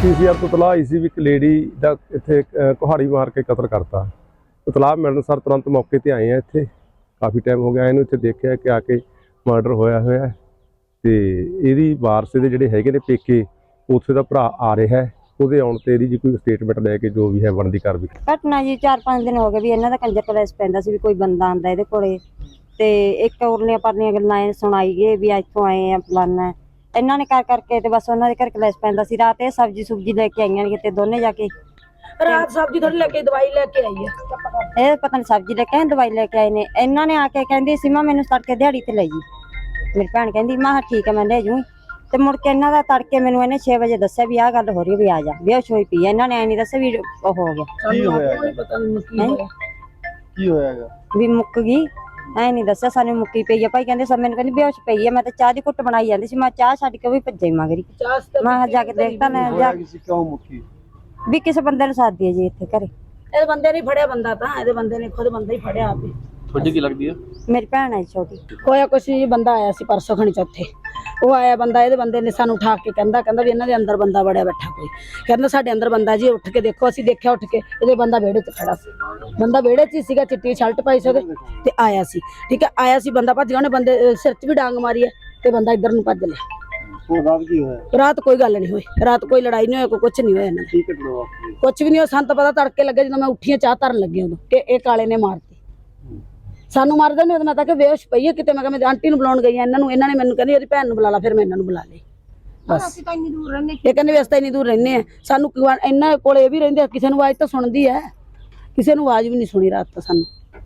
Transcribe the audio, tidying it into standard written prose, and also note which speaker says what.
Speaker 1: PCR तो तलाह आई सी भी एक लेडी का इत्थे कुहाड़ी मार के कतल करता। तलाह मिलण सर तुरंत मौके पर आए हैं। इत्थे काफ़ी टाइम हो गया इन्हूं इत्थे देखिया कि आके मर्डर होया होया ते इहदी वारस दे जिहड़े हैगे ने पेके उत्थे दा भरा आ रहा है। ਉਹਦੇ ਆਉਣ ਤੇ ਇਹਦੀ ਜੀ ਕੋਈ ਸਟੇਟਮੈਂਟ ਲੈ ਕੇ ਜੋ ਵੀ ਹੈ ਬਣਦੀ ਕਾਰਵਾਈ।
Speaker 2: ਘਟਨਾ ਜੀ 4-5 ਦਿਨ ਹੋ ਗਏ ਵੀ ਇਹਨਾਂ ਦਾ ਕੰਜਰ ਕਲੇਸ਼ ਪੈਂਦਾ ਸੀ ਵੀ ਕੋਈ ਬੰਦਾ ਆਂਦਾ ਇਹਦੇ ਕੋਲੇ ਤੇ ਇੱਕ ਉਰਲੀਆਂ ਪਰਲੀਆਂ ਗੱਲਾਂ ਸੁਣਾਈ ਗਏ ਵੀ ਇੱਥੋਂ ਆਏ ਆ ਫਲਾਨਾ। ਇਹਨਾਂ ਨੇ ਕਰ ਕਰਕੇ ਤੇ ਬਸ ਉਹਨਾਂ ਦੇ ਘਰ ਕਲੇਸ਼ ਪੈਂਦਾ ਸੀ। ਰਾਤ ਇਹ ਸਬਜ਼ੀ ਸੁਬਜੀ ਲੈ ਕੇ ਆਈਆਂ ਨੇ ਕਿਤੇ ਦੋਨੇ ਜਾ ਕੇ।
Speaker 3: रात सब्जी थोड़ी लेके दवाई लेके आई है।
Speaker 2: ਇਹ ਪਤਾ ਨਹੀਂ ਸਬਜ਼ੀ ਲੈ ਕੇ ਆਏ ਦਵਾਈ ਲੈ ਕੇ ਆਏ ਨੇ। ਇਹਨਾਂ ਨੇ ਆ ਕੇ ਕਹਿੰਦੀ ਸੀਮਾ ਮੈਨੂੰ ਤੜਕੇ ਦਿਹਾੜੀ ਤੇ ਲੈ ਜੀ। ਮੇਰੀ ਭੈਣ ਕਹਿੰਦੀ ਮੈਂ ਠੀਕ ਹੈ ਮੈਂ ਲੈ ਜੂੰ ਤੇ ਮੁੜ ਕੇ ਇਹਨਾਂ ਦਾ ਤੜਕੇ ਮੈਨੂੰ ਇਹਨੇ 6 ਵਜੇ ਦੱਸਿਆ ਵੀ ਆਹ ਗੱਲ ਹੋ ਰਹੀ ਵੀ ਆ ਜਾ ਬੇਹੋਸ਼ ਹੋਈ ਪਈ। ਇਹਨਾਂ ਨੇ ਐ ਨਹੀਂ ਦੱਸਿਆ ਵੀ ਉਹ ਹੋ ਗਿਆ
Speaker 3: ਕੀ ਹੋਇਆ ਪਤਾ ਨਹੀਂ
Speaker 1: ਕੀ ਹੋਇਆਗਾ
Speaker 2: ਵੀ ਮੁੱਕ ਗਈ। ਐ ਨਹੀਂ ਦੱਸਿਆ ਸਾਨੂੰ ਮੁੱਕੀ ਪਈ ਆ ਭਾਈ ਕਹਿੰਦੇ ਸਭ ਮੈਨੂੰ ਕਹਿੰਦੀ ਬੇਹੋਸ਼ ਪਈ ਆ। ਮੈਂ ਤਾਂ ਚਾਹ ਦੀ ਘੁੱਟ ਬਣਾਈ ਜਾਂਦੀ ਸੀ। ਮੈਂ ਚਾਹ ਛੱਡ ਕੇ ਉਹ ਵੀ ਭੱਜੇ ਮਗਰੀ। ਮੈਂ ਜਾ ਕੇ ਦੇਖਤਾ ਨਾ ਜਾ
Speaker 1: ਕਿਉਂ ਮੁੱਕੀ
Speaker 2: ਵੀ ਕਿਸੇ ਬੰਦੇ ਨੂੰ ਸਾਦੀ ਹੈ ਜੀ ਇੱਥੇ ਘਰੇ।
Speaker 3: ਇਹਦੇ ਬੰਦੇ ਨੇ ਫੜਿਆ ਬੰਦਾ ਤਾਂ ਇਹਦੇ ਬੰਦੇ ਨੇ ਖੁਦ ਬੰਦਾ ਹੀ ਫੜਿਆ ਆਪੇ।
Speaker 1: ਤੁਹਾਡੀ ਕੀ ਲੱਗਦੀ ਆ?
Speaker 2: ਮੇਰੀ ਭੈਣ ਹੈ ਛੋਟੀ।
Speaker 3: ਹੋਇਆ ਕੁਛ ਜੀ ਬੰਦਾ ਆਇਆ ਸੀ ਪਰਸੋਂ ਖਣੀ ਚੌਥੇ। ਉਹ ਆਇਆ ਬੰਦਾ ਇਹਦੇ ਬੰਦੇ ਨੇ ਸਾਨੂੰ ਉਠਾ ਕੇ ਕਹਿੰਦਾ ਵੀ ਇਹਨਾਂ ਦੇ ਅੰਦਰ ਬੰਦਾ ਵੜਿਆ ਬੈਠਾ ਕੋਈ। ਕਹਿੰਦਾ ਸਾਡੇ ਅੰਦਰ ਬੰਦਾ ਜੀ ਉੱਠ ਕੇ ਦੇਖੋ। ਅਸੀਂ ਦੇਖਿਆ ਉੱਠ ਕੇ ਇਹਦੇ ਬੰਦਾ ਵਿਹੜੇ 'ਚ ਖੜਾ ਸੀ। ਬੰਦਾ ਵਿਹੜੇ 'ਚ ਹੀ ਸੀਗਾ ਚਿੱਟੀ ਸ਼ਰਟ ਪਾਈ ਸੀ ਉਹਦੇ ਤੇ ਆਇਆ ਸੀ। ਠੀਕ ਹੈ ਆਇਆ ਸੀ ਬੰਦਾ ਭੱਜ ਗਿਆ। ਉਹਨੇ ਬੰਦੇ ਸਿਰ 'ਚ ਵੀ ਡਾਂਗ ਮਾਰੀ ਹੈ ਤੇ ਬੰਦਾ ਇੱਧਰ ਨੂੰ ਭੱਜ ਲਿਆ।
Speaker 1: ਰਾਤ ਕੀ ਹੋਇਆ?
Speaker 3: ਰਾਤ ਕੋਈ ਗੱਲ ਨਹੀਂ ਹੋਈ। ਰਾਤ ਕੋਈ ਲੜਾਈ ਨਹੀਂ ਹੋਈ ਕੋਈ ਕੁਛ ਨਹੀਂ ਹੋਇਆ ਇਹਨਾਂ ਦਾ। ਕੁਛ ਵੀ ਨਹੀਂ ਹੋਇਆ। ਸਾਨੂੰ ਤਾਂ ਪਤਾ ਤੜਕੇ ਲੱਗੇ ਜਦੋਂ ਮੈਂ ਉੱਠੀ ਚਾਹ ਧਰਨ ਲੱਗੀ ਉਦੋਂ ਕਿ ਇਹ ਕਾਲੇ ਨੇ ਮਾਰਤੀ। ਸਾਨੂੰ ਮਾਰਦੇ ਨੇ ਮੈਂ ਤਾਂ ਕਿ ਬੇਹੋਸ਼ ਪਈ ਹੈ ਕਿਤੇ। ਮੈਂ ਕਿਹਾ ਮੈਂ ਆਂਟੀ ਨੂੰ ਬੁਲਾਉਣ ਗਈ ਇਹਨਾਂ ਨੇ ਮੈਨੂੰ ਕਹਿੰਦੀ ਉਹਦੀ ਭੈਣ ਨੂੰ ਬੁਲਾ ਲਾ। ਫਿਰ ਮੈਂ ਇਹਨਾਂ ਨੂੰ ਬੁਲਾ ਲਈ ਬਸ। ਅਸੀਂ ਤਾਂ ਇੰਨੀ ਦੂਰ ਰਹਿੰਦੇ ਇਹ ਕਹਿੰਦੇ ਵੀ ਅਸੀਂ ਤਾਂ ਇੰਨੀ ਦੂਰ ਰਹਿੰਦੇ ਆ। ਸਾਨੂੰ ਇਹਨਾਂ ਕੋਲ ਇਹ ਵੀ ਰਹਿੰਦੇ ਕਿਸੇ ਨੂੰ ਆਵਾਜ਼ ਤਾਂ ਸੁਣਦੀ ਹੈ। ਕਿਸੇ ਨੂੰ ਆਵਾਜ਼ ਵੀ ਨਹੀਂ ਸੁਣੀ ਰਾਤ ਤਾਂ ਸਾਨੂੰ।